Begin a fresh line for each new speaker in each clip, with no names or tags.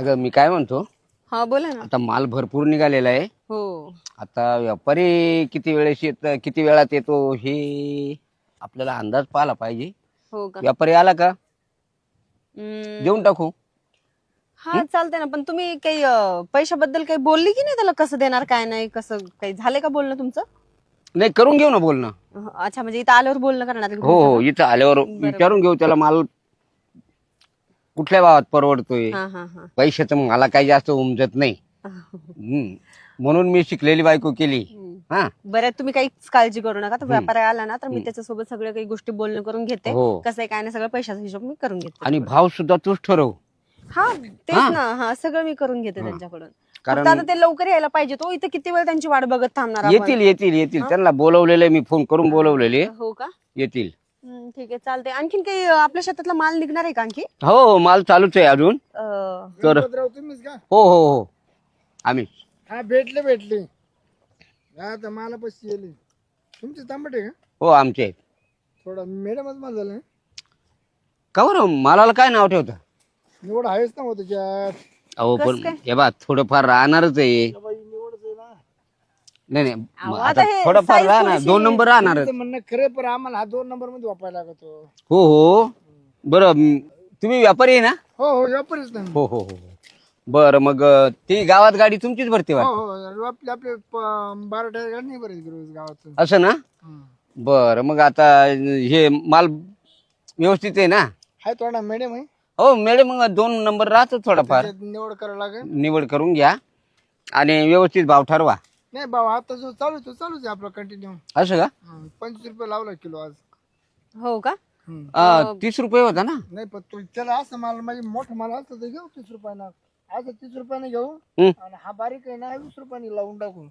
अगं मी काय म्हणतो,
हा बोला ना.
आता माल भरपूर निघालेला आहे.
हो
आता व्यापारी किती वेळात येतो हे आपल्याला अंदाज पाहिला पाहिजे.
हो का.
व्यापारी आला का
हम्म,
देऊन टाकू.
हा चालतंय ना. पण तुम्ही काही पैशाबद्दल काही बोलली की नाही त्याला, कसं देणार काय नाही, कसं काही झालंय का बोलणं तुमचं?
नाही करून घेऊ ना बोलणं.
अच्छा, म्हणजे इथं आल्यावर बोलणं करणार आहे का
हो
तुमचं
हो, इथं आल्यावर
बरं.
विचारून घेऊ त्याला माल कुठल्या भावात परवडतोय.
का? हा हा हा
पैशाचं मला काही जास्त उमजत नाही. म्हणून मी शिकलेली बायको केली. हा
बरं, तुम्ही काहीच काळजी करू नका. तर व्यापारी आला ना तर मी त्याच्यासोबत सगळ्या काही गोष्टी बोलणं करून घेते.
हो.
कसं आहे काय नाही, सगळं पैशाचा हिशोब मी करून घेते.
आणि भाव सुद्धा तूच ठरव.
हा तेच ना. हा सगळं मी करून घेते त्यांच्याकडून.
कारण-
फक्त आता ते लवकर यायला पाहिजे. तो इथं किती वेळ त्यांची वाट बघत थांबणार आपण?
येतील येतील येतील त्यांना बोलवलेले, मी फोन करून बोलवलेले.
हो का.
येतील.
ठीक आहे, चालते. आणखीन काही आपल्या शेतातला माल निघणार आहे का आणखी?
हो हो, माल चालूच आहे अजून. तर
गणपतराव तुम्हीच का?
हो हो हो, आम्ही
हा भेटले आता मला पैसे येले. तुमचे तांबटे का?
हो आमचे आहेत.
थोडा मॅडमच मला झालं.
का बरं मालाला काय नाव ठेवता?
निवड आहेच ना हो त्याच्यात.
अहो
कसं
पण
काय?
हे बा थोडंफार राहणारच आहे.
बाई निवडच आहे ना.
नाही
अहो,
नाही,
आता
आता
हे
थोडंफार
size
राहणार,
थोडीशी-
2 नंबर राहणारच.
तुमचं म्हणणं खरं, पण आम्हाला हा 2 नंबर मध्ये वापरायला लागतो.
हो हो, बरं तुम्ही व्यापारी आहे ना?
हो व्यापारीच ना.
हो हो हो. बरं मग ती गावात गाडी तुमचीच भरते
हो
वाटतं.
हो आपले 12 टायर गाडी नाही बरेच रोज गावात.
असं ना? बरं मग आता हे माल व्यवस्थित आहे ना?
हाय थोडा मॅडम आहे.
हो मॅडम, मग 2 नंबर राहतो थोडाफार.
त्याच्यात निवड करावं लागेल.
निवड करून घ्या आणि व्यवस्थित भाव ठरवा.
नाही बाबा, आता जो चालूच आहे आपला कंटिन्यू.
असं का?
25 रुपये लावला किलो आज.
हो का.
30 रुपये होता ना?
नाही पण तू त्याला असं माल म्हणजे मोठं माल असतं तर घेऊ 30 रुपयानं. असं 30 रुपयाने घेऊ
हं.
आणि हा बारीक आहे ना 20 रुपयाने लावून टाकू.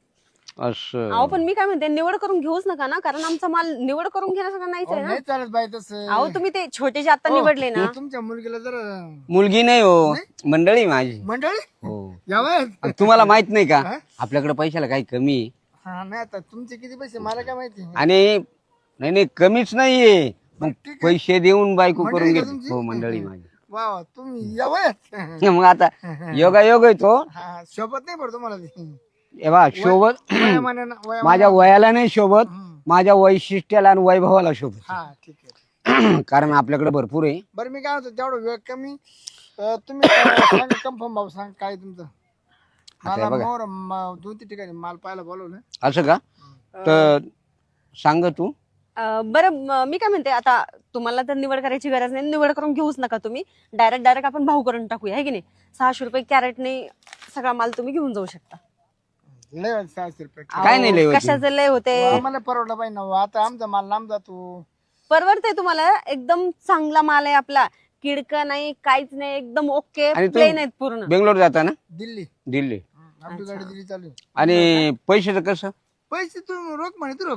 असं
अहो पण मी काय म्हणते, निवड करून घेऊच नका ना, कारण आमचा माल निवड करून घेण्यासारखा नाहीच आहे ना.
नाही चालत बाई तसं.
अहो तुम्ही ते छोटे जे आता निवडले ना.
तुमच्या मुलगीला जरा
मुलगी नाही हो, मंडळी माझी.
मंडळी
हो.
यावं.
तुम्हाला माहित नाही का आपल्याकडे पैशाला काही कमी आहे?
हा नाही आता तुमचे किती पैसे मला काय माहिती.
आणि नाही नाही कमीच नाहीये. मग
ठीक आहे.
पैसे देऊन बायको
मंडळी
करून
का
घेते.
तुमची?
हो मंडळी माझी.
वा वा तुम्ही यावं.
मग आता योगा योग आहे तो.
हा शोभत नाही पडतो तुम्हाला ते.
हे बा शोभत माझ्या वयाला नाही शोभत, माझ्या वैशिष्ट्याला आणि वैभवाला शोभत.
हा ठीक आहे.
कारण आपल्याकडे भरपूर आहे.
बरं मी काय होतो तेवढं वेळ कमी. तुम्ही सांगा कन्फर्म भाऊ सांग काय तुमचं. मला मोर 2-3 ठिकाणी माल पाहायला बोलवलं.
असं का? तर सांग तू.
बरं मी काय म्हणते, आता तुम्हाला तर निवड करायची गरज नाही, निवड करून घेऊच नका तुम्ही. डायरेक्ट आपण भाव करून टाकूया, आहे की नाही. 600 रुपये कॅरेटने सगळा माल तुम्ही घेऊन जाऊ शकता.
लय होते 600 रुपये.
काय नाही लय होत.
कशाचे लय होते.
आम्हाला परवडलं पाहिजे ना. आता आमचा माल लांब जातो.
परवडते तुम्हाला, एकदम चांगला माल आहे आपला. किडका नाही, काहीच नाही, एकदम ओके
आणि तू
प्लेन आहेत पूर्ण.
बेंगलोर जाता ना?
दिल्ली
दिल्ली.
आपली गाडी दिल्ली चालू आहे.
आणि पैशाचं कसं?
पैसे तू रोख म्हणे तू रोख.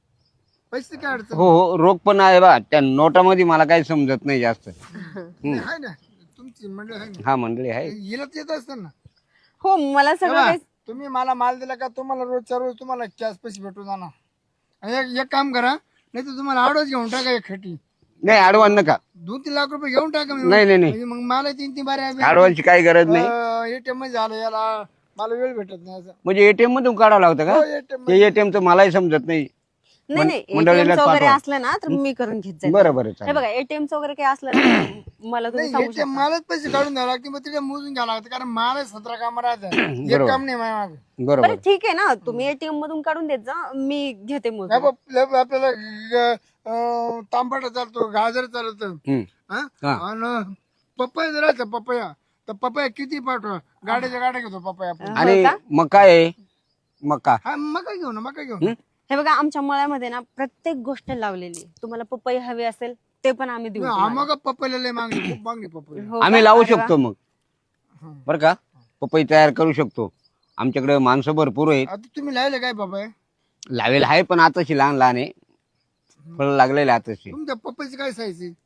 पैसे काय अडचण
हो हो, रोख पण आहे बा. त्या नोटामध्ये मला काही समजत नाही जास्त.
नाही. आहे ना तुमची मंडळ आहे ना.
हा मंडळी आहे.
हिला येत असतं ना.
हो मला सगळं
तेव्हा
काही.
तुम्ही मला माल दिला का तुम्हाला रोजच्या रोज तुम्हाला कॅश पैसे भेटून जाणार. आणि एक काम करा, नाही तर तुम्हाला आडवच घेऊन टाका एक खटी.
नाही अडवान नका.
2-3 लाख रुपये घेऊन टाका.
नाही नाही नाही,
म्हणजे मग मला 3-3 बारे
अडवानची काही गरज नाही.
एटीएम मध्ये झालं याला मला वेळ भेटत नाही असं.
म्हणजे एटीएम मधून काढावं लागतं
हो,
का?
ATM
ते एटीएम तर मलाही समजत नाही.
नाही नाही,
मंडळीलाच
ATM चं वगैरे
पाठवा.
असलं ना तर मी करून घेत जाईल.
बरं बरं
हे
चालेल.
बघा, ATM चं वगैरे काही असलं ना मला तुम्ही सांगू
ATM मलाच पैसे काढून द्यावं लागते. मग तिथे मोजून घ्यावं लागतं कारण मला 17 काम राहतात. एक काम नाही माझ्या मागे.
बरोबर.
बरं ठीक आहे ना, तुम्ही ATM मधून काढून देत जा, मी घेते मग.
आपल्याला तांबट चालतो, गाजर चालतं.
हम्म. हा.
आणि पपया जर राहायचं पपया, तर पपया किती पाठवा. गाड्याच्या गाड्या घेतो पपया आपण.
आणि मका आहे, मका.
हा मका घेऊ ना, मका घेऊ.
हे बघा, आमच्या मळ्यामध्ये ना प्रत्येक गोष्ट लावलेली आहे. तुम्हाला पपई हवी असेल ते पण आम्ही देऊ.
मग पपईला लय मागणी, खूप मागणी पपई.
हो
आम्ही
का?
लावू
अरे वा.
शकतो मग. बर का? पपई तयार करू शकतो. आमच्याकडे माणसं भरपूर आहेत.
आता तुम्ही लावले काय पपया?
लावेल आहे पण आताशी लहान लहान आहे. फळ लागलेले आताशी.
तुमच्या पपईची काय साईज आहे?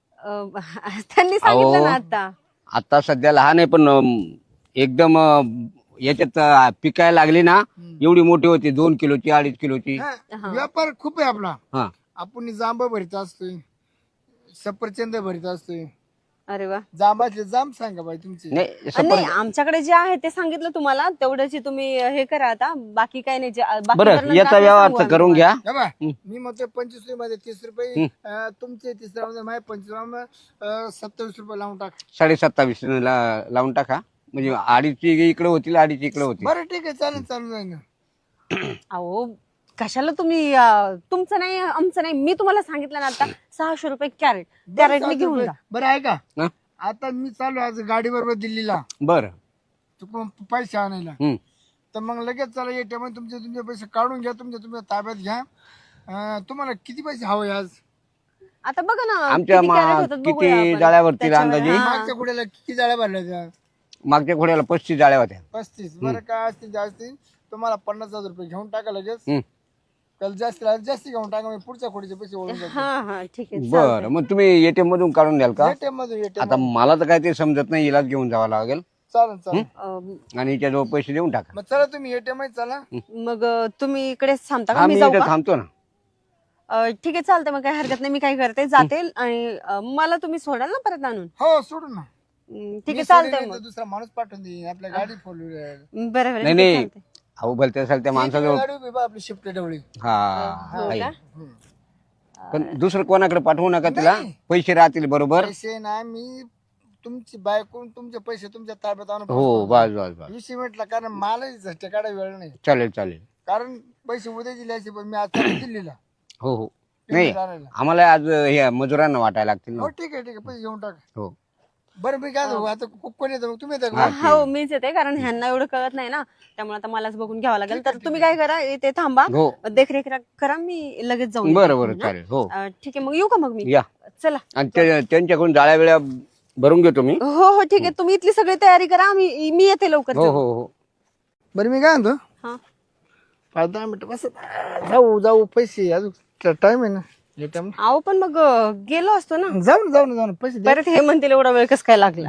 त्यांनी सांगितलं ना आता.
आता सध्या लहान आहे पण एकदम याच्यात पिकायला लागली ना एवढी मोठी होती. 2 किलोची 2.5 किलोची.
व्यापार खूप आहे आपला.
हा.
आपण जांब भरीत असतोय, सफरचंद भरीत असतोय.
अरे वा.
जांबाचे जांब सांगा बाई तुमचे.
नाही
नाही
सफरचंद.
आमच्याकडे जे आहे ते सांगितलं तुम्हाला, तेवढ्याची तुम्ही हे करा आता, बाकी काही नाही. बाकी
बरं
तर नंतर
याचा
आपण
व्यवहार
सांगू
तर
आम्ही
करून घ्या.
हे बघ, मी म्हणतो 25 रुपये 30 रुपये तुमचे 30 रुपये माझे 25 27 रुपये लावून टाक.
27.5 लावून टाका, म्हणजे 2.5 इकडे होतील 2.5 इकडे होतील.
बरं ठीक आहे चालेल चालू जाईल ना.
अहो कशाला तुम्ही तुमचं नाही आमचं नाही, मी तुम्हाला सांगितलं ना आता 600 रुपये कॅरेट, कॅरेटने घेऊन जा.
बरं आहे का
हं?
आता मी चालू आज गाडी बरोबर दिल्लीला
बरं.
चुकून पैसे आणायला,
हम्म.
तर मग लगेच चला ATM तुमचे तुमचे पैसे काढून घ्या, तुमच्या ताब्यात घ्या. तुम्हाला किती पैसे हवे आज?
आता बघा ना
आमच्या
किती कॅरेट होतात बघूया
किती
आपण.
जाळ्यावरती
त्याच्यावर-
अंदाजे?
हा.
मागच्या कुड्याला किती जाळ्या भरल्या त्या?
मागच्या घोड्याला 35 जाळ्या होत्या.
35. बरं काय असतील जास्ती तुम्हाला 50,000 रुपये घेऊन टाका लगेच.
हम्म.
त्याला जास्ती घेऊन टाका, मी पुढच्या खोडीचे पैसे ओळून जातो.
हा हा ठीक आहे
बरं मग तुम्ही ATM मधून काढून द्याल का?
ATM मध्ये
आता मला तर काय ते समजत नाही, इलाज घेऊन जावं लागेल
चालेल चालेल.
आणि हिच्याजवळ पैसे देऊन टाका.
मग चला तुम्ही ATM मध्ये चला.
मग तुम्ही इकडे थांबता का,
हा
मी
मी
जाऊ
इथे
का?
थांबतो ना.
ठीक आहे चालतंय, मग काही हरकत नाही, मी काय करते जाते आणि मला तुम्ही सोडाल ना परत आणून.
हो सोडून ना.
ठीक आहे
मी
चालतंय
सोडीन
मग.
तर दुसरा माणूस पाठवून देईन, आपल्या गाडी फोर व्हीलर
बरं बरं
नाही
ठीक आहे,
नाही
चालतंय.
अहो भलते असेल त्या माणसाजवळ.
गाडी उभी बा आपली शिफ्ट डवळी.
हा
हो
आहे.
का?
पण दुसरं कोणाकडे पाठवू नका तिला, पैसे राहतील बरोबर.
पैसे ना मी तुमची बायकून तुमचे पैसे तुमच्या ताब्यात आणून
हो बस बस बस
20 मिनिटला, कारण मला झटके काढायला वेळ नाही,
चालेल चालेल.
कारण पैसे उद्या दिल्याचे पण मी आज चालू दिल्लीला
हो हो नाही
आणायला.
आम्हाला आज हे मजुरांना वाटायला लागतील ना.
हो ठीक आहे पैसे घेऊन टाका.
हो
बरं मी काय सांगू, आता कोण येतं मग तुम्ही येता का?
हो मीच येते, कारण ह्यांना एवढं कळत नाही ना, त्यामुळे आता मलाच बघून घ्यावं लागेल. तर तुम्ही काय करा, इथे थांबा,
हो
देखरेख करा, मी लगेच जाऊन
बरं बरं चालेल. हो
येते. ठीक आहे मग येऊ का मग मी?
या.
चला.
आणि त्यांच्याकडून जाळ्या वेळा भरून घेतो मी.
हो हो ठीक आहे, तुम्ही इथली सगळी तयारी करा, मी येते लवकर.
हो हो हो
बरं मी काय म्हणतो,
हा
5-10 मिनिटं बस जाऊ पैसे अजून टाइम आहे ना ATM.
अहो पण मग गेलो असतो ना,
जाऊ ना पैसे द्या.
परत हे म्हणतील एवढा वेळ कसं काय लागला.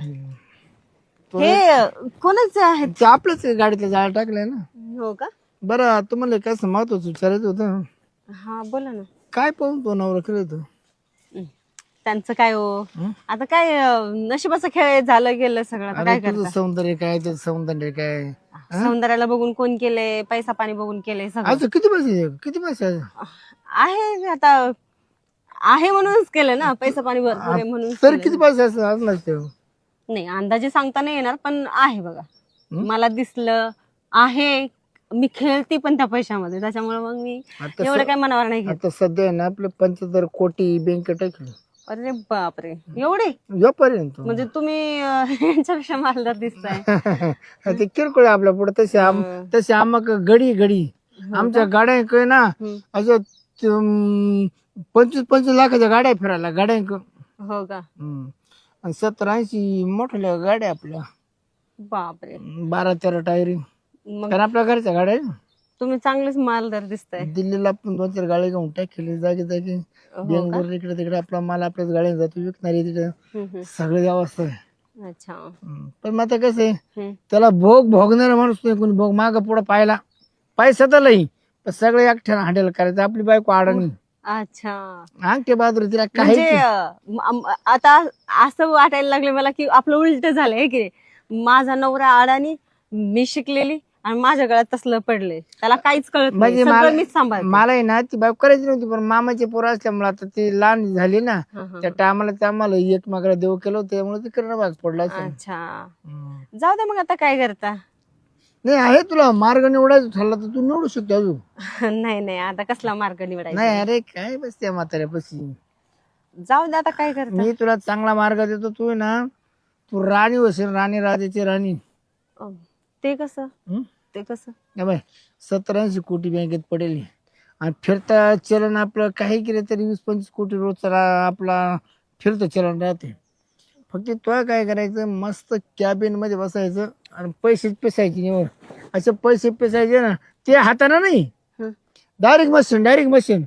हे कोणाचे आहेत?
ते आपल्याच गाडीतल्या जाळ्या टाकल्या ना.
हो का?
बरं तुम्हाला काय महत्वाचं विचारायचं होतं,
हा बोला ना.
काय पाहून तो नवरा केलं होतं?
त्यांचं काय हो, आता काय नशिबाचा खेळ झालं गेलं सगळं, आता काय
तुझं
करता.
सौंदर्य काय, त्याचं सौंदर्य काय?
सौंदर्याला बघून कोण केलंय, पैसा पाणी बघून केलंय सगळं.
आज किती पैसे
आहे आता, आहे म्हणूनच केलं ना, पैसा पाणी भरपूर आहे म्हणून
तर
केलंय.
किती पैसे असणार ते?
नाही अंदाजे सांगता नाही येणार, पण आहे बघा, मला दिसलं आहे. मी खेळते पण त्या पैशामध्ये, त्याच्यामुळे मग मी
आता
एवढं काय मनावर नाही घेत.
आता सध्या आहे ना आपलं 75 कोटी बँकेत टाकलं.
अरे बापरे, एवढे
यापर्यंत
म्हणजे तुम्ही यांच्यापेक्षा मालदार दिसताय.
ते किरकोळ आहे आपल्या पुढे. तसे आम्हाला घडी आमच्या गाड्या काय ना असं 25 लाखाच्या गाड्या फिरायला गाड्या.
हो का?
70-80 मोठ्या गाड्या आपल्या,
बापरे.
12-13 टायरी,
मग
कारण आपल्या घरच्या गाड्या आहे ना.
तुम्ही चांगलेच मालदार दिसताय.
दिल्लीला आपण 2-4 गाड्या घेऊन टाकले जागी बेंगलोर इकडे तिकडे आपला माल आपल्याच गाड्या जातो विकणारी तिकडे सगळी अवस्था आहे.
अच्छा.
पण मग आता कसं आहे, त्याला भोगणारा माणूस नाही कोणी, भोग माग पुढे पाहिला पैसा तर लई, पण सगळे एकट्यानं हँडल करायचं. आपली बायको अडणी
अच्छा,
अंगठे बहादूर, तिला
म्हणजे
काही
आता असं वाटायला लागले मला की आपलं उलट झालंय की माझा नवरा अडाणी, मी शिकलेली, आणि माझ्या गळ्यात तसलं पडले, त्याला काहीच कळत नाही,
म्हणजे
सगळं मीच सांभाळते.
मला आहे ना ती बायको करायची नव्हती, पण मामाची पोरं असल्यामुळे आता ती लहान झाली ना, त्या टायमाला ते आम्हाला एकमेकाला देव केलं होतं, त्यामुळे ते करणं भाग पडला असेल.
अच्छा, जाऊ दे मग, आता काय करता.
नाही आहे तुला मार्ग निवडायचा ठरला तर तू निवडू शकतो अजून.
नाही नाही, आता कसला मार्ग निवडायचा.
नाही अरे काय बसते म्हाताऱ्यापाशी.
जाऊ दे, आता काय करता.
मी तुला चांगला मार्ग देतो. तू आहे ना, तू राणी होशील, राणी राजाची राणी.
ते कसं? ते कसं?
70-80 कोटी बँकेत पडेल, आणि फिरता चलन आपलं काही केलं तरी 20-25 कोटी रोजचा आपला फिरतं चलन राहते. फक्त तो काय करायचं, मस्त कॅबिन मध्ये बसायचं आणि पैसे पेसायचे निवड. असे पैसे पेसायचे ना, ते हाताने नाही, डायरेक्ट मशीन.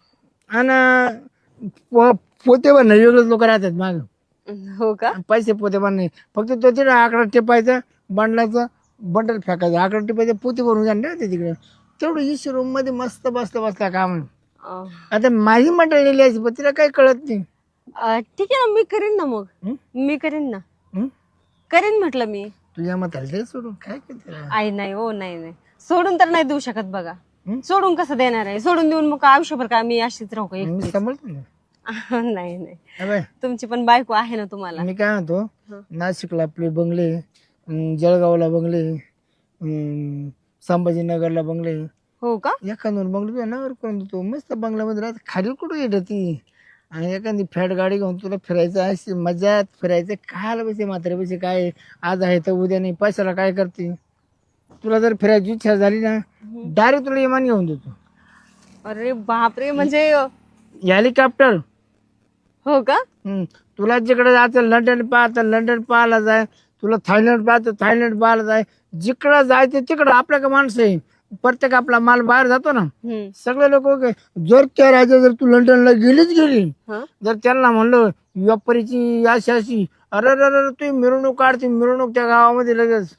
आणि पोते बनणं वेगळेच लोक राहतात माग.
हो का?
पैसे पोते बनणे, फक्त तो तिथे आकडा टिपायचा, बंडल फेकायचं, आकडा टिपायचं, पोते भरून जाणार ते तिकडे. तेवढं इशी रूम मध्ये मस्त बसला काम. आता माझी मंडळी लिहायची, पण तिला काही कळत नाही.
ठीक आहे ना, मी करीन ना मग.
हं?
मी करीन ना,
हं?
करीन म्हटलं मी.
तुझ्या म्हाताला दे सोडून काय करते रे?
आई नाही हो, नाही सोडून तर नाही देऊ शकत बघा.
हं?
सोडून कसं देणार आहे? सोडून देऊन मग आयुष्यभर काय मी अशीच राहू का
मी
एकटीच?
सांभाळतो ना.
नाही
अबे,
तुमची पण बायको आहे ना तुम्हाला.
मी काय म्हणतो,
हं.
नाशिकला आपले बंगले, जळगावला बंगले, संभाजीनगरला बंगले,
हो का?
एखादं बंगले तुझ्या नावावर करून देतो. मस्त बंगल्यामध्ये राहत. खाली कुठं येत ती? आणि एखादी फॅट गाडी घेऊन तुला फिरायचं अशी मजात फिरायचं. खायला पैसे म्हातारे पैसे काय आज आहे तर उद्या नाही. पैशाला काय करते? तुला जर फिरायची इच्छा झाली ना, डायरेक्ट तुला विमान घेऊन देतो.
अरे बापरे, म्हणजे
हेलिकॉप्टर.
हो का?
तुला जिकडे जायचं लंडन पाहतं लंडन पाहायला जाय. तुला थायलंड पाहतं थायलंड पाहायला जाय. जिकडं जायचं तिकडं आपल्या का माणसं आहे. प्रत्येक आपला माल बाहेर जातो ना, सगळे लोक जर त्या राज्यात जर तू लंडनला गेली
हं?
जर त्यांना म्हणलं व्यापारीची अशी अशी, अरे अरे तू मिरवणूक काढते मिरवणूक त्या गावामध्ये लगेच.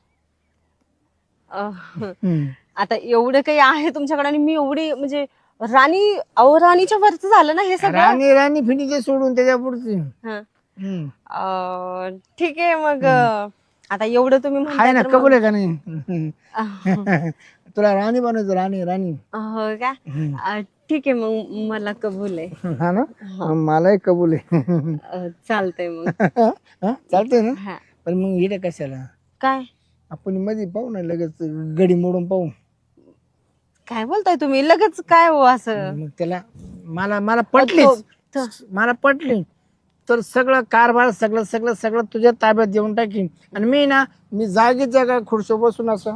आता एवढं काही आहे तुमच्याकडे आणि मी एवढी म्हणजे राणीच्या वरच झालं ना हे सगळं.
राणी राणी फिनीचे सोडून त्याच्या पुढची.
हं. ठीक आहे मग. आता एवढं तुम्ही
आहे ना,
म्हणताय तर
कबूल आहे का नाही?
मग-
तुला राणी बनायचं राणी राणी.
हो का? ठीक आहे मग, मला कबूल आहे.
हा ना, मलाही कबूल आहे.
चालतंय मग.
चालतंय ना.
हा.
पण मग इकडे कशाला?
काय
आपण मध्ये पाहू ना, लगेच गडी मोडून पाहू.
काय बोलताय तुम्ही लगेच? काय हो असं?
मग त्याला मला पटलीच, मला पटली तर सगळं कारभार सगळं सगळं सगळं तुझ्या ताब्यात देऊन टाकीन. आणि मी जागीच जागा खुर्शी बसून असं.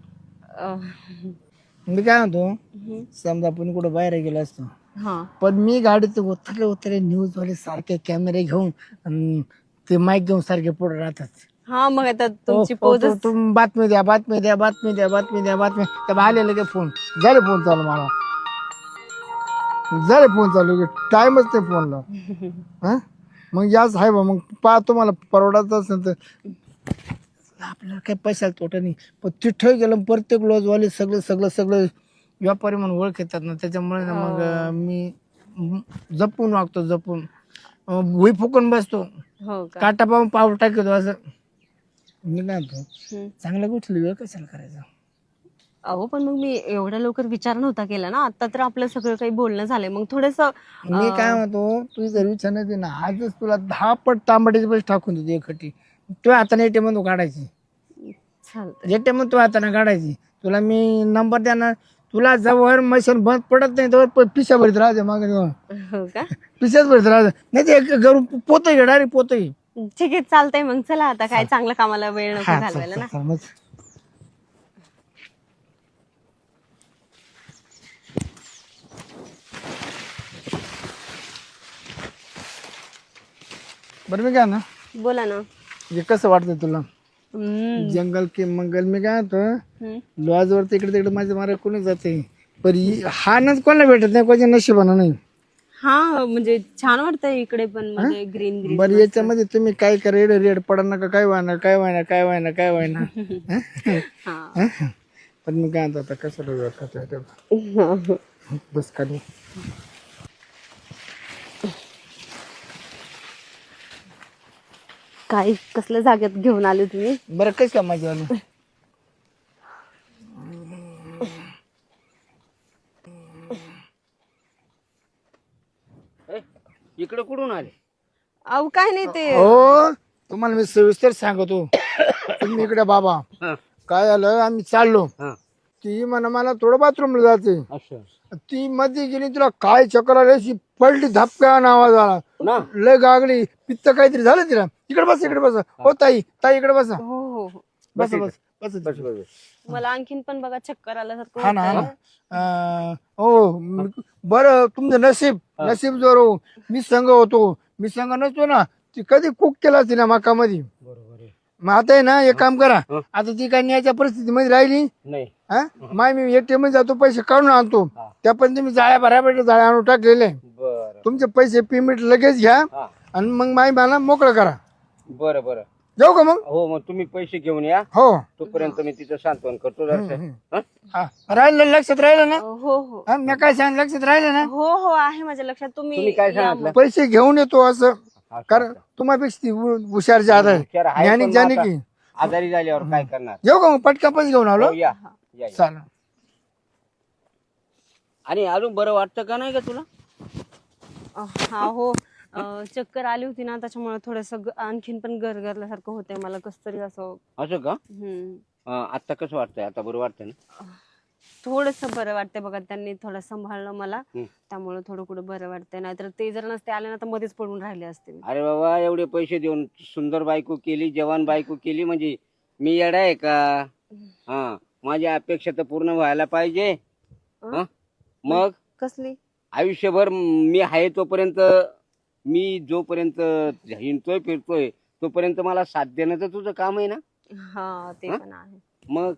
मी काय म्हणतो, समजा आपण कुठं बाहेर गेलो असतो,
हा
पण मी गाडीत उतरले न्यूज वाले सारखे कॅमेरे घेऊन अन ते माईक घेऊन सारखे पुढे राहतात.
हा, मग आता तुमची पोज
तुम्ही बातमी द्या बातमी द्या बातमी द्या बातमी द्या बातमी त्या आले लगे फोन झाले. फोन चालू मला झाले फोन चालू टाइमच नाही फोनला. हा मग याच आहे बा. मग पाहतो मला परवडायचं असेल तर आपल्याला काही पैशाला तोटा नाही. पण तिथं गेलं प्रत्येक लॉजवाले सगळं सगळं सगळं व्यापारी म्हणून ओळख येतात ना, त्याच्यामुळे ना मग मी जपून वागतो. जपून भुई फुकून बसतो.
हो का?
काटा पाहून पाऊल टाकतो असं. मी काय म्हणतो, चांगल्या गोष्टी वेळ कशाला करायचा?
अहो पण मग मी एवढ्या लवकर विचार नव्हता केला ना. आता तर आपलं सगळं काही बोलणं झालंय. मग थोडस
मी काय म्हणतो, तुझी जर विचार नाही ना, आजच तुला 10 पट तांबड्याचे पैसे टाकून देतो एकखटी. तुझ्या हाताने एटीएम मधून काढायची.
चालतं.
एटीएम तू हाताने काढायची. तुला मी नंबर देणार. तुला जवळ मशीन बंद पडत नाही तर पिशा भरीत राहते मागे.
हो का?
पिशाच भरीत राहते. नाही ते घरून पोतही घे डायरेक्ट पोतही.
ठीक आहे, चालतंय मग. चला आता, काय चांगल्या कामाला वेळ नको घालवायला ना.
बरं मी काय ना,
बोला ना.
हे कसं वाटतंय तुला?
हम्म.
जंगल के मंगल मी काय होतं,
हम्म.
लॉज वर इकडे तिकडे माझ्या मारा कोणी जाते. पण हा नच कोणाला भेटत नाही, कोणाच्या नशिबानं नाही.
हा, म्हणजे छान वाटतंय इकडे पण, म्हणजे ग्रीन ग्रीन.
बरं याच्यामध्ये तुम्ही काय करा, रेड पडा नका, काय व्हायना काय व्हायना काय व्हायना काय व्हायना. पण मी काय म्हणतो, आता कसं बस खाली.
काय कसल्या जागेत घेऊन आले तुम्ही?
बरं कशी का मजा आली?
इकडे कुठून आले?
अहो काय नाही ते.
हो तुम्हाला मी सविस्तर सांगतो. तुम्ही इकडे बाबा, काय झालं, आम्ही चाललो. ती म्हणा मला थोडं बाथरूमला जायचंय. ती मध्ये गेली, तुला काय चक्कर आली, पडली धपका आवाज आला, लय गागली, पित्त काहीतरी झालं तिला. इकडे बस इकडे बस. हो ताई ताई इकडे बसा.
हो हो हो.
बस बस बस.
मला आणखीन पण बघा चक्कर आल्यासारखं
हा ना हा
होतंय.
ना. हो बरं, तुमचं नशीब जोर हो. मी संघ होतो, मी संघ नसतो ना, ती कधी कुक केला असती ना मकामध्ये. मग आता आहे ना, एक काम करा, आता ती काय न्यायच्या परिस्थितीमध्ये राहिली
नाही.
हा. माय मी एटीएम मध्ये जातो, पैसे काढून आणतो. त्या पण तुम्ही जाळ्या भरायला जाळ्या आणून टाकलेले. तुमचे पैसे पेमेंट लगेच घ्या आणि मग माय मला मोकळं करा.
बरं बरं.
जाऊ का मग?
हो मग तुम्ही पैसे घेऊन या,
हो
तोपर्यंत मी तिचं सांत्वन करतो जरासं. हं?
हा राहिलं लक्षात राहिलं ना?
हो हो
हा, मी काय सांग लक्षात राहिलं ना?
हो हो आहे माझ्या लक्षात.
तुम्ही काय
या
सांगितलं?
पैसे घेऊन येतो असं,
असं,
कारण तुम्हापेक्षा ती हुशार ज्यादा आहे.
हुशार आहे,
ज्ञानी
पण
ज्ञानी
मग
की
आता आजारी झाल्यावर काय करणार?
येऊ का मग? पटका पैसे घेऊन आलो.
हो, या या.
चालेल.
आणि अजून बरं वाटतं का नाही का तुला?
हा हो चक्कर आली होती ना, त्याच्यामुळे थोडस आणखीन पण गरगरल्यासारखं होतंय मला, कस तरी असं.
असं का? आता कसं वाटतंय? आता बरं वाटतंय ना?
थोडस बरं वाटतंय बघा, त्यांनी थोडं सांभाळलं मला,
हं.
त्यामुळे थोडं कुठं बरं वाटतंय. नाहीतर ते जर नसते आले ना तर मध्येच पडून राहिले असते मी.
अरे बाबा, एवढे पैसे देऊन सुंदर बायको केली, जवान बायको केली, म्हणजे मी येडा आहे का? हा, माझ्या अपेक्षा तर पूर्ण व्हायला पाहिजे. हं? मग
कसली?
आयुष्यभर मी आहे तोपर्यंत, मी जोपर्यंत हिंडतोय फिरतोय तोपर्यंत मला साथ देणं तर तुझं काम आहे ना?
हा ते
हं?
पण आहे.
मग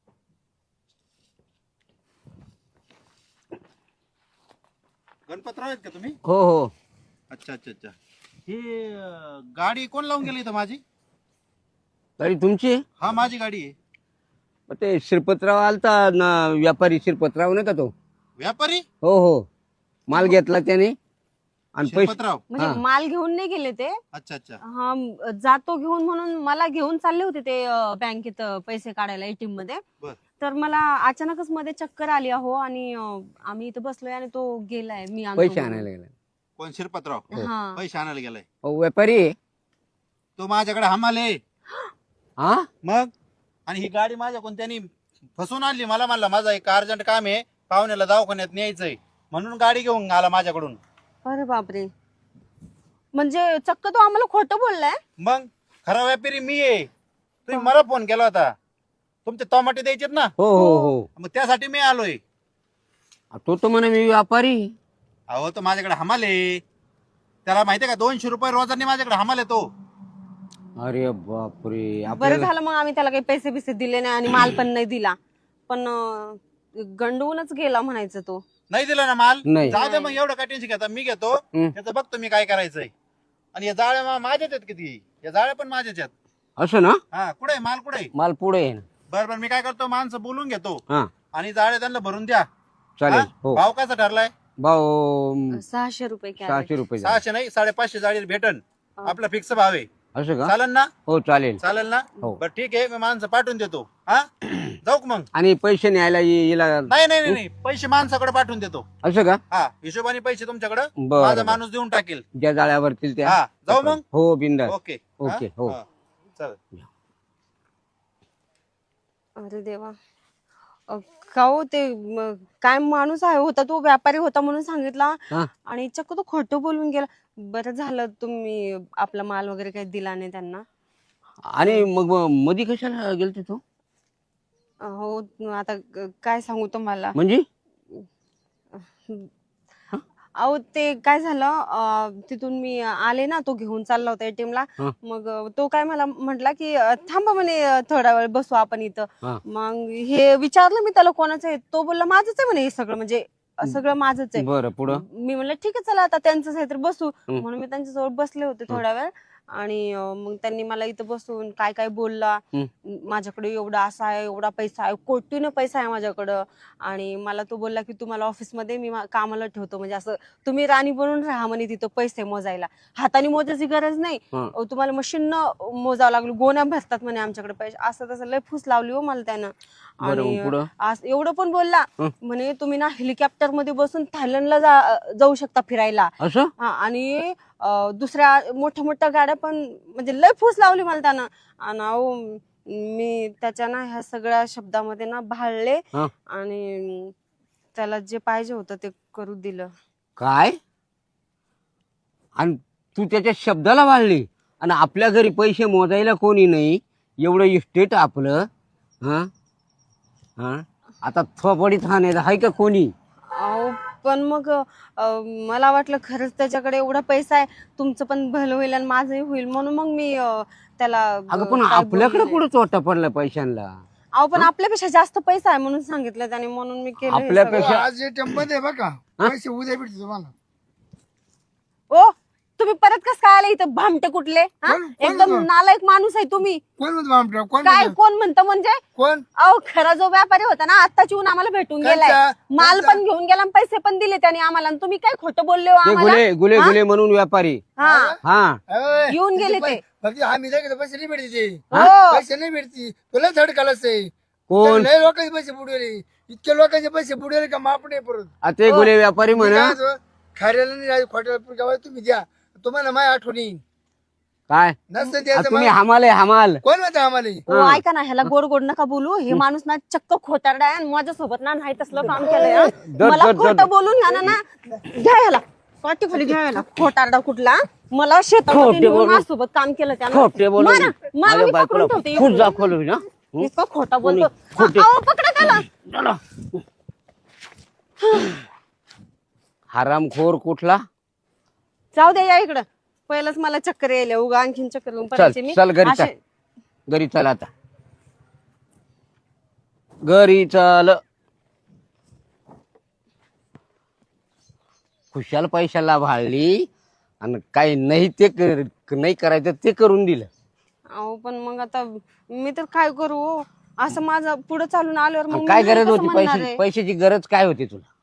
गणपतराव आहेत का तुम्ही?
हो हो.
अच्छा अच्छा अच्छा. ही गाडी कोण लावून गेली इथं माझी?
तरी तुमची
हा माझी गाडी आहे.
ते शिरपतराव आलता ना, व्यापारी शिरपतराव नाही का तो?
व्यापारी?
हो हो, माल घेतला त्याने आणि पैसे.
शिरपतराव.
म्हणजे
हा.
माल घेऊन नाही गेले ते.
अच्छा अच्छा.
हा जातो घेऊन म्हणून मला घेऊन चालले होते ते बँकेत पैसे काढायला एटीएम मध्ये.
बर.
तर मला अचानकच मध्ये चक्कर आली अहो, आणि आम्ही इथं बसलोय आणि तो गेलाय. मी आणतो
पैसे
म्हणून.
आणायला गेला.
कोण? शिरपतराव.
हा
पैसे आणायला गेलाय.
हो, व्यापारी आहे.
तो माझ्याकडे हमाल आहे.
हा,
मग आणि ही गाडी माझ्या कोणत्यानी फसवून आणली. मला म्हणला माझा एक अर्जंट काम आहे, पाहुण्याला दवाखान्यात न्यायचंय, म्हणून गाडी घेऊन आला माझ्याकडून.
अरे बापरे, म्हणजे चक्क तो आम्हाला खोटं बोललाय.
मग खरा व्यापारी मी आहे. तुम्ही मला फोन केला होता, तुमचे टमाटे द्यायचेत ना,
हो हो हो.
मग त्यासाठी मी आलोय.
तो तर म्हणे मी व्यापारी.
अहो तो माझ्याकडे हमाल आहे. त्याला माहितीये का, 200 रुपये रोजाने माझ्याकडे हमाल आहे तो.
अरे बापरे,
बरं
आपल्याला
झालं मग आम्ही त्याला काही पैसे बिसे दिले नाही आणि माल पण नाही दिला. पण गंडवूनच गेला म्हणायचं तो.
नाही दिला ना माल?
नाही.
जाऊ दे मग, एवढं काय टेन्शन घेता, मी घेतो.
हं.
त्याचं बघतो मी काय करायचंय. आणि या जाळ्या माझ्याच आहेत किती, या जाळ्या पण माझ्याच आहेत.
असं ना?
हा, कुठे माल कुठे?
माल पुढे आहे ना.
बरं मी काय करतो, माणसं बोलून घेतो
हा
आणि जाळ्या त्यांना भरून द्या.
चालेल.
हा?
हो
भाव कसा ठरलाय?
भाऊ
600 रुपये कॅरेट.
600 रुपये झाले.
600 नाही, 550 जाळी भेटन. आपला फिक्स भाव आहे.
असं का?
चालेल ना?
हो चालेल.
चालेल ना?
हो.
बरं ठीक आहे, मी माणसं पाठवून देतो. हा जाऊ का मग?
आणि पैसे न्यायला येला.
नाही नाही नाही, पैसे माणसाकडे पाठवून देतो.
असं का?
हा, हिशोबाने पैसे तुमच्याकडे
बरं,
माझा
बरं.
माणूस देऊन टाकेल.
ज्या जाळ्यावरतील त्या.
हा, जाऊ मग?
हो बिंदास.
ओके
ओके, हो.
चल.
अरे देवा, का हो ते काय माणूस आहे होता तो, व्यापारी होता म्हणून सांगितला
हा.
आणि चक्क तो खोटं बोलून गेला. बरं झालं तुम्ही आपला माल वगैरे काही दिला नाही त्यांना.
आणि मग मधी कशाला गेलते तो?
हो आता काय सांगू तुम्हाला.
म्हणजे
अहो ते काय झालं, तिथून मी आले ना, तो घेऊन चालला होता ATM ला.
हा.
मग तो काय मला म्हटला की थांबा म्हणे, थोडा वेळ बसू आपण इथं.
हा.
मग हे विचारलं मी त्याला कोणाचं आहे, तो बोलला माझंच आहे म्हणे हे सगळं, म्हणजे सगळं माझंच आहे.
बरं, पुढं?
मी म्हणलं ठीक आहे चला आता त्यांचंच आहे तर बसू.
हं.
म्हणून मी त्यांच्याजवळ बसले होते थोडा वेळ. आणि मग त्यांनी मला इथं बसून काय काय बोलला.
हं.
माझ्याकडे एवढा असा आहे, एवढा पैसा आहे, कोटीनं पैसा आहे माझ्याकडं. आणि मला तो बोलला की तुम्हाला ऑफिसमध्ये मी कामाला ठेवतो, म्हणजे असं तुम्ही राणी बनून राहा म्हणे तिथं पैसे मोजायला, हाताने मोजायची गरज नाही.
हं.
तुम्हाला मशीननं मोजावं लागलं, गोण्या भरतात म्हणे आमच्याकडे पैसे. असं तसं लय फूस लावली हो मला त्यानं.
बरं, मग पुढं?
आणि एवढं पण बोलला
हं.
म्हणे तुम्ही ना हेलिकॉप्टर मध्ये बसून थायलंडला जाऊ शकता फिरायला.
असं?
हा, आणि दुसऱ्या मोठ्या मोठ्या गाड्या पण, म्हणजे लय फूस लावली मला त्यानं. आणि अहो मी त्याच्या ना ह्या सगळ्या शब्दामध्ये ना भाळले
हा.
आणि त्याला जे पाहिजे होतं ते करू दिलं.
काय? आणि तू त्याच्या शब्दाला वाढली, आणि आपल्या घरी पैसे मोजायला कोणी नाही, एवढं इस्टेट आपलं. हा हा, आता थोपडीत आहे का कोणी?
अहो पण मग मला वाटलं खरंच त्याच्याकडे एवढा पैसा आहे, तुमचं पण भलं होईल आणि माझंही होईल, म्हणून मग मी त्याला
अगं पण
काय
आपल्याकडे
बोलले.
कुठं चोटा पडला पैशांना?
अहो पण आपल्यापेक्षा जास्त पैसा आहे म्हणून सांगितलं त्याने, म्हणून मी केलं हे
आपल्यापेक्षा-
सगळं.
आज ATM मध्ये बघा पैसे उद्या भेटते तुम्हाला.
ओ तुम्ही परत कस काय आले इथं भामटे कुठले हा?
कोण- कोण
एकदम
म्हणतो?
नालायक माणूस आहे तुम्ही.
कोण म्हणतो आमच्या कोण
काय
म्हणतो?
कोण म्हणतं म्हणजे
कोण
अहो खरा जो व्यापारी होता ना आत्ताच येऊन आम्हाला भेटून गेलाय.
कोणता?
माल
कोणता?
पण घेऊन गेला आणि पैसे पण दिले त्याने आम्हाला आणि तुम्ही काय खोटं बोलले हो
ते
आम्हाला.
गुले गुले
हा?
गुले म्हणून व्यापारी.
हा
हा
अय,
येऊन गेले
तिचे
ते.
फक्त आम्ही जायचं पैसे नाही भेटते
हो.
पैसे नाही भेटती तुला झड कालच आहे
कोण
लय लोकांचे पैसे बुडवले इतके लोकांचे पैसे बुडवले का माप नाही परत
आ, ते गुले व्यापारी म्हणा
खाऱ्याला नाही राहायचं, खोट्याला गावात तुम्ही द्या तुम्हाला माझ्या आठवण येईल
काय
नसतं
आ,
द्यायचं
तुम्ही
मला.
हमाल आहे हमाल.
कोण म्हणतं आम्हाला
हो, ऐका ना ह्याला गोड गोड नका बोलू. हे माणूस ना चक्क खोटारडा आहे आणि माझ्यासोबत ना नाही तसलं काम केलंय हा. मला
दर.
खोटं बोलून घ्या ना घ्या ह्याला पाठी खाली घ्या ह्याला खोटारडा कुठला. मला
खोटे
शेतामध्ये
बोलून.
माझ्यासोबत काम केलं त्यानं.
खोटे बोलून
मारा, मारा,
माझ्या
मी
बायकोला
पकडून ठेवते.
खूप दाखवलं ना.
इतकं खोटा बोलतो.
खोटे.
अहो, पकडा त्याला.
चला. हरामखोर कुठला.
जाऊ दे या इकडं. पहिलंच मला चक्कर यायला उगा आणखीन चक्कर येऊन पडायचे मी.
चल घरी चल
असे-
घरी चल आता घरी चल. खुशाल पैशाला भाळली आणि काही नाही ते नाही करायचं ते करून दिलं.
अहो पण मग आता मी तर काय करू हो? असं माझं पुढे चालून आल्यावर मग
काय
मी नाही
गरज
कसं
होती
म्हणणार
पैशाची
आहे?
पैशाची गरज काय होती तुला.